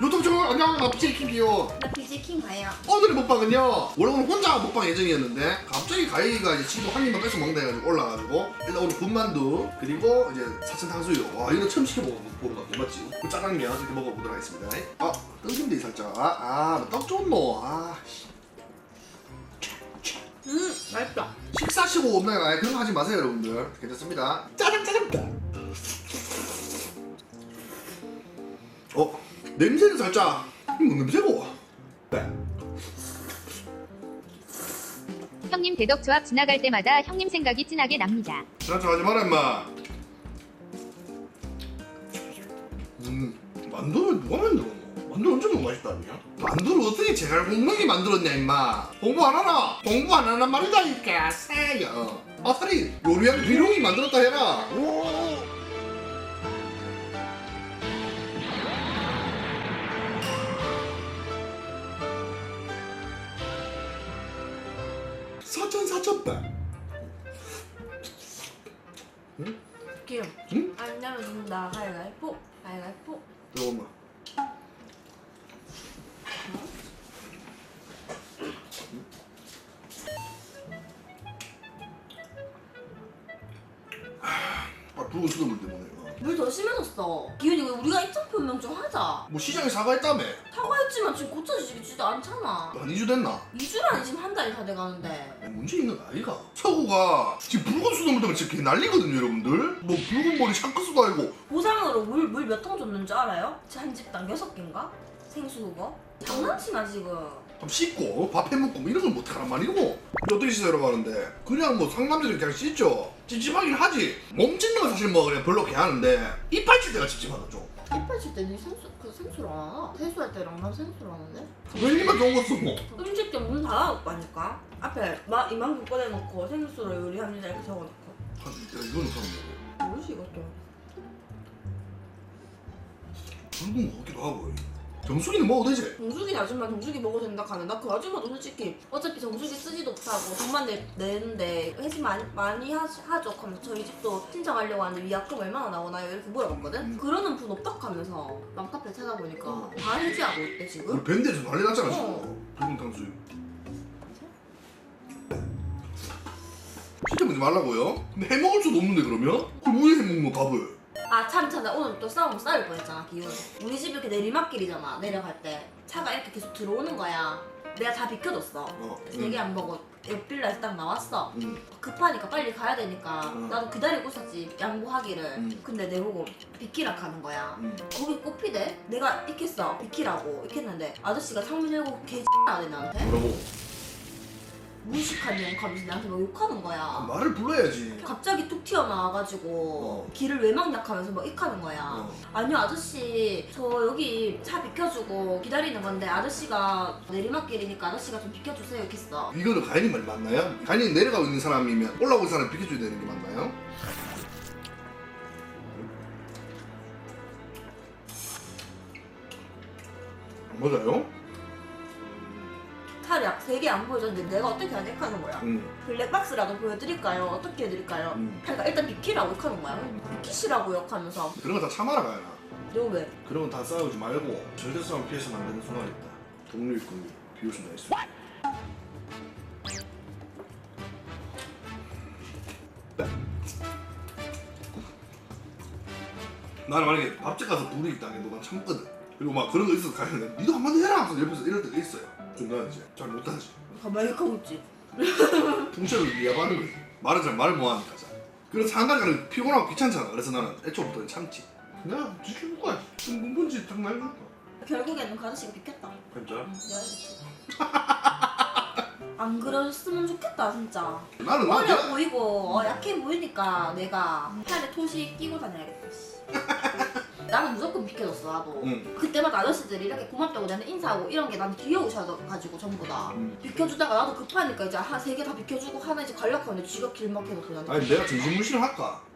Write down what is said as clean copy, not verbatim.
유튜브 채널 안녕, 나 BJ 킹이요. 나 BJ 킹 가요. 오늘의 먹방은요, 원래 오늘 혼자 먹방 예정이었는데 갑자기 가희가 이제 친구 한 입만 뺏어 먹는다 해가지고 올라가지고 일단 오늘 군만두 그리고 이제 사천 탕수육. 와, 이거 처음 시켜보는 거 같아, 맞지? 그 짜장면 이렇게 먹어보도록 하겠습니다. 아, 뜬금대 살짝. 떡 좋노. 맛있다. 식사시고 없나요? 그런 거 하지 마세요, 여러분들. 괜찮습니다. 짜장. 냄새는 살짝. 이거 냄새고. 네. 형님 대덕 조합 지나갈 때마다 형님 생각이 진하게 납니다. 지나쳐 하지 마라, 임마. 만두는 누가 만들었노? 만두 엄청 너무 맛있다, 아니야? 만두를 어떻게 제갈 공명이 만들었냐, 임마. 공부 안 하나? 공부 안 하나 말이다니까, 새야. 아싸리 요리하는 비룡이 만들었다 해라. 사천백. 귀여워. 응? 안 내려준다. 가위바위보. 가위바위보. 잠깐만. 붉은 수돗물 때문에. 물 더 심해졌어. 기훈이 왜 우리가 입장 표명 좀 하자. 뭐 시장에 사과했다며? 사과했지만 지금 고쳐지지도 않잖아. 한 2주 됐나? 2주라니 지금 한 달이 다 돼가는데. 문제 있는 거 아이가? 서구가 지금 붉은 수돗물 때문에 지금 개 난리거든요, 여러분들. 뭐 붉은 머리 샹크스도 아니고. 보상으로 물 몇 통 줬는지 알아요? 한 집당 6개인가? 생수 그거? 장난치나 지금. 좀 씻고 밥 해먹고 뭐 이런 걸 못하란 말이고. 근데 어떻게 씻으라고 하는데 그냥 뭐 상남자들이 그냥 씻죠. 찝찝하긴 하지. 몸 찢는 건 사실 뭐 그냥 별로 개하는데 이빨 칠 때가 찝찝하다 좀. 이빨 칠때네 생수를 안 하나? 세수할 때랑 난 생수를 하는데? 왜 니만 좋은 거 쓰고? 음식점 문 닫아놓고 하니까 앞에 이만큼 꺼내놓고 생수로 요리합니다 이렇게 적어놓고. 야, 이거는 그럼 뭐지 이것도? 붉은 거 같기도 하고. 정수기는 먹어도 되지? 정수기 아줌마 정수기 먹어도 된다 하네. 나 그 아줌마도 솔직히 어차피 정수기 쓰지도 못하고 돈만 내는데 회식 많이 하죠. 그럼 저희 집도 신청하려고 하는데 위약금 얼마나 나오나요? 이렇게 물어봤거든? 그러는 분 없다 하면서 맘카페 찾아보니까 다 해지하고 있대 지금. 우리 밴드에서 난리 났잖아 지금. 어. 붉은 탕수육. 진짜 먹지 말라고요? 근데 해먹을 수도 없는데 그러면? 그럼 왜 해먹는 거 밥을? 아 참 나 오늘 또 싸움 싸울 뻔했잖아 기훈. 우리 집 이렇게 내리막길이잖아. 내려갈 때 차가 이렇게 계속 들어오는 거야. 내가 다 비켜줬어. 되게 안 보고 옆 빌라에서 딱 나왔어. 급하니까 빨리 가야 되니까 나도 기다리고 있었지 양보하기를. 근데 내보고 비키라 가는 거야. 거기 꼽히대. 내가 익혔어 비키라고 익혔는데 아저씨가 창문 열고 개 X하네 나한테. 뭐라고? 무식한 년 하면서 나한테 막 욕하는 거야. 말을 불러야지. 갑자기 툭 튀어나와가지고 길을 외막약하면서 막 익하는 거야. 아니요 아저씨 저 여기 차 비켜주고 기다리는 건데 아저씨가 내리막길이니까 아저씨가 좀 비켜주세요 이렇게 했어. 이거는 가인이 말이 맞나요? 가인이 내려가고 있는 사람이면 올라오는 사람 비켜줘야 되는 게 맞나요? 맞아요? 차를 약 3개 안 보여줬는데 내가 어떻게 하는 거야. 블랙박스라도 보여드릴까요? 어떻게 해드릴까요? 그러니까 일단 비키라고 욕하는 거야. 비키시라고 욕하면서. 그런 거 다 참아라 가야. 너 왜? 그런 건 다 싸우지 말고 절대 싸움 피해서는 안 되는 순간이 있다. 동료 있고 비웃음 다 있어. 나는 만약에 밥집 가서 불이 있다 해도 난 참거든. 그리고 막 그런 거 있어서 가면 니도 한마디 해라 하면서 옆에서 이럴 때가 있어요. 좀 나지 잘 못하지. 가만히 하고 있지. 풍채를 이해하는 거지. 말을 못하니까 잘. 그래서 한 가지는 피곤하고 귀찮잖아. 그래서 나는 애초부터 참지. 내가 지켜볼 거야. 뭔지 딱 말해줄 거야. 결국에는 그 아저씨가 비켰다. 진짜? 내가 비켰지. 안 그랬으면 좋겠다 진짜. 나는 어려 보이고 약해 보이니까 내가 팔에 토시 끼고 다녀야겠다. 나는 무조건 비켜줬어 나도. 그때마다 아저씨들이 이렇게 고맙다고 나한테 인사하고 이런 게 난 귀여우셔가지고 전부 다 비켜주다가 나도 급하니까 이제 한 3개 다 비켜주고 하나 이제 가려고 하는데 쥐가 길 막혀서 그냥. 아니 내가 정신무신을 할까?